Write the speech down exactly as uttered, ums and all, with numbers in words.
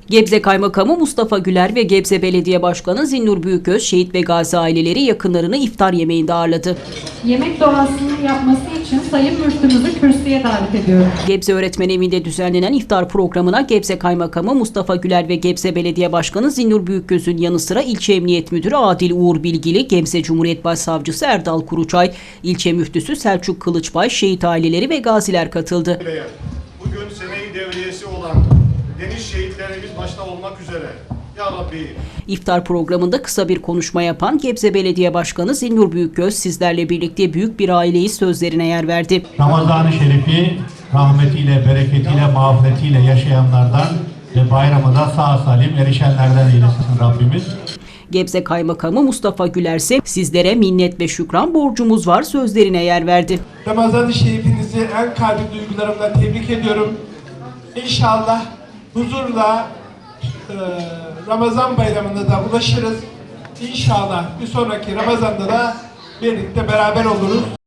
Gebze Kaymakamı Mustafa Güler ve Gebze Belediye Başkanı Zinnur Büyükgöz, şehit ve gazi aileleri yakınlarını iftar yemeğinde ağırladı. Yemek duasını yapması için Sayın Müftümüzü kürsüye davet ediyorum. Gebze Öğretmen Evi'nde düzenlenen iftar programına Gebze Kaymakamı Mustafa Güler ve Gebze Belediye Başkanı Zinnur Büyükgöz'ün yanı sıra İlçe Emniyet Müdürü Adil Uğur Bilgili, Gebze Cumhuriyet Başsavcısı Erdal Kuruçay, İlçe Müftüsü Selçuk Kılıçbay, şehit aileleri ve gaziler katıldı. Bugün sene-i devriyesi olan deniz şehitlerimiz başta olmak üzere Ya Rabbi. İftar programında kısa bir konuşma yapan Gebze Belediye Başkanı Zinnur Büyükgöz, sizlerle birlikte büyük bir aileyi sözlerine yer verdi. Ramazan-ı Şerif'i rahmetiyle, bereketiyle, mağfiretiyle yaşayanlardan ve bayramı da sağ salim erişenlerden eylesin Rabbimiz. Gebze Kaymakamı Mustafa Güler ise sizlere minnet ve şükran borcumuz var sözlerine yer verdi. Ramazan-ı Şerifinizi en kalbi duygularımla tebrik ediyorum. İnşallah huzurla e, Ramazan bayramında da ulaşırız. İnşallah bir sonraki Ramazan'da da birlikte beraber oluruz.